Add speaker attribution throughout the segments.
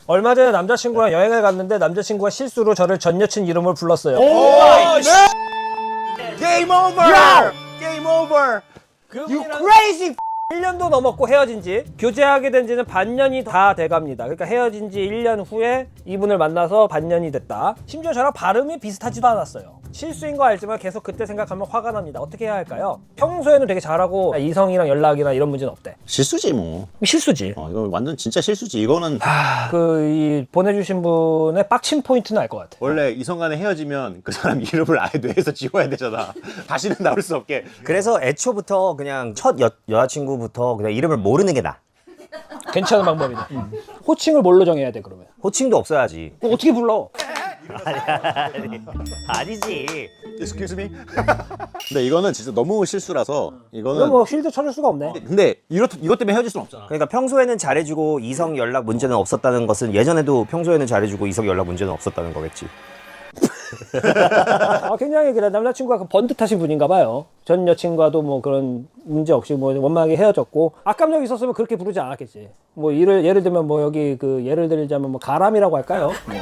Speaker 1: 얼마 전에 남자친구랑 여행을 갔는데 남자친구가 실수로 저를 전 여친 이름을 불렀어요.
Speaker 2: Game over! Game over!
Speaker 1: You crazy 1년도 넘었고 헤어진 지 교제하게 된 지는 반년이 다 돼갑니다. 그러니까 헤어진 지 1년 후에 이분을 만나서 반년이 됐다. 심지어 저랑 발음이 비슷하지도 않았어요. 실수인 거 알지만 계속 그때 생각하면 화가 납니다. 어떻게 해야 할까요? 평소에는 되게 잘하고 이성이랑 연락이나 이런 문제는 없대.
Speaker 2: 실수지 뭐.
Speaker 1: 실수지.
Speaker 2: 이거 완전 진짜 실수지. 이거는
Speaker 1: 이 보내주신 분의 빡친 포인트는 알 것 같아.
Speaker 2: 원래 이성 간에 헤어지면 그 사람 이름을 아예 뇌에서 지워야 되잖아. 다시는 나올 수 없게.
Speaker 3: 그래서 애초부터 그냥 첫 여자친구부터 그냥 이름을 모르는 게 나아.
Speaker 1: 괜찮은 방법이네. 호칭을 뭘로 정해야 돼 그러면?
Speaker 3: 호칭도 없어야지.
Speaker 1: 그럼 어떻게 불러?
Speaker 3: 아니지.
Speaker 2: Excuse me? 근데 이거는 진짜 너무 실수라서 이거는
Speaker 1: 그럼 뭐 쉴드 쳐줄 수가 없네.
Speaker 2: 근데 이것 때문에 헤어질 수는 없잖아.
Speaker 3: 그러니까 평소에는 잘해주고 이성 연락 문제는 없었다는 것은 예전에도 평소에는 잘해주고 이성 연락 문제는 없었다는 거겠지.
Speaker 1: 굉장히 그래 남자친구가 그 번듯하신 분인가 봐요. 전 여친과도 뭐 그런 문제 없이 뭐 원만하게 헤어졌고 악감정이 있었으면 그렇게 부르지 않았겠지. 뭐 예를 들면 뭐 여기 그 예를 들자면 뭐 가람이라고 할까요? 뭐.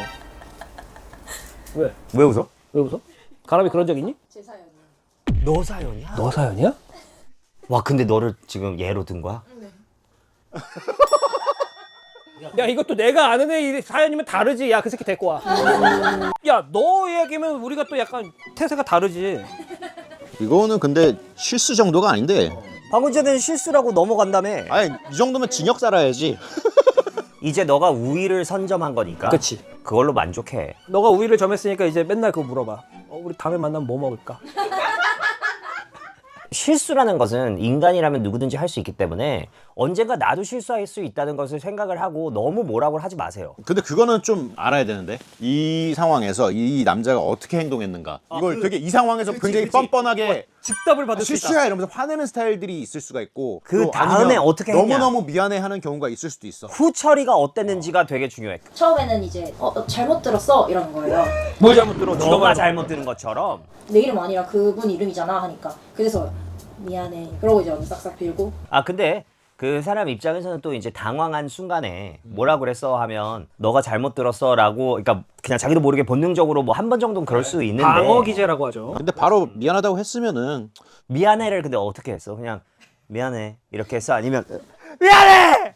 Speaker 3: 왜 웃어?
Speaker 1: 왜 웃어? 가람이 그런 적 있니?
Speaker 4: 제 사연이요.
Speaker 3: 너 사연이야?
Speaker 1: 너 사연이야?
Speaker 3: 와 근데 너를 지금 예로 든 거야?
Speaker 1: 야 이것도 내가 아는 애 사연이면 다르지. 야 그 새끼 데리고 와. 야 너 얘기면 우리가 또 약간 태세가 다르지.
Speaker 2: 이거는 근데 실수 정도가 아닌데.
Speaker 3: 방금 전에는 실수라고 넘어간다며.
Speaker 2: 아니 이 정도면 징역 살아야지.
Speaker 3: 이제 너가 우위를 선점한 거니까.
Speaker 1: 그치.
Speaker 3: 그걸로 만족해.
Speaker 1: 너가 우위를 점했으니까 이제 맨날 그거 물어봐. 우리 다음에 만나면 뭐 먹을까?
Speaker 3: 실수라는 것은 인간이라면 누구든지 할 수 있기 때문에 언젠가 나도 실수할 수 있다는 것을 생각을 하고 너무 뭐라고 하지 마세요.
Speaker 2: 근데 그거는 좀 알아야 되는데 이 상황에서 이 남자가 어떻게 행동했는가. 이걸 되게 이 상황에서 굉장히 뻔뻔하게
Speaker 1: 즉답을 받을 수 있다.
Speaker 2: 실수야 이러면서 화내는 스타일들이 있을 수가 있고
Speaker 3: 그
Speaker 2: 또
Speaker 3: 다음에
Speaker 2: 아니면
Speaker 3: 어떻게 했냐.
Speaker 2: 너무너무 미안해하는 경우가 있을 수도 있어.
Speaker 3: 후 처리가 어땠는지가 되게 중요해.
Speaker 4: 처음에는 이제 잘못 들었어 이러는 거예요.
Speaker 1: 뭘 잘못 들어?
Speaker 3: 너가 잘못 들은 것처럼.
Speaker 4: 내 이름 아니라 그분 이름이잖아 하니까 그래서 미안해. 그러고 이제 언니 싹싹 빌고
Speaker 3: 아 근데 그 사람 입장에서는 또 이제 당황한 순간에 뭐라 그랬어 하면 너가 잘못 들었어라고 그러니까 그냥 자기도 모르게 본능적으로 뭐 한 번 정도는 그럴 수 있는데
Speaker 1: 방어 기제라고 하죠.
Speaker 2: 근데 바로 미안하다고 했으면은
Speaker 3: 미안해를 근데 어떻게 했어? 그냥 미안해 이렇게 했어? 아니면 미안해!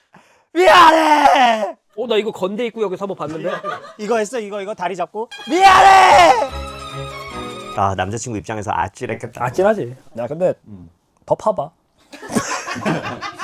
Speaker 3: 미안해!
Speaker 1: 나 이거 건대 입구 여기 사법 봤는데.
Speaker 3: 이거 했어? 이거 다리 잡고 미안해! 아 남자친구 입장에서 아찔했겠다.
Speaker 1: 아찔하지. 야 근데 더 파봐.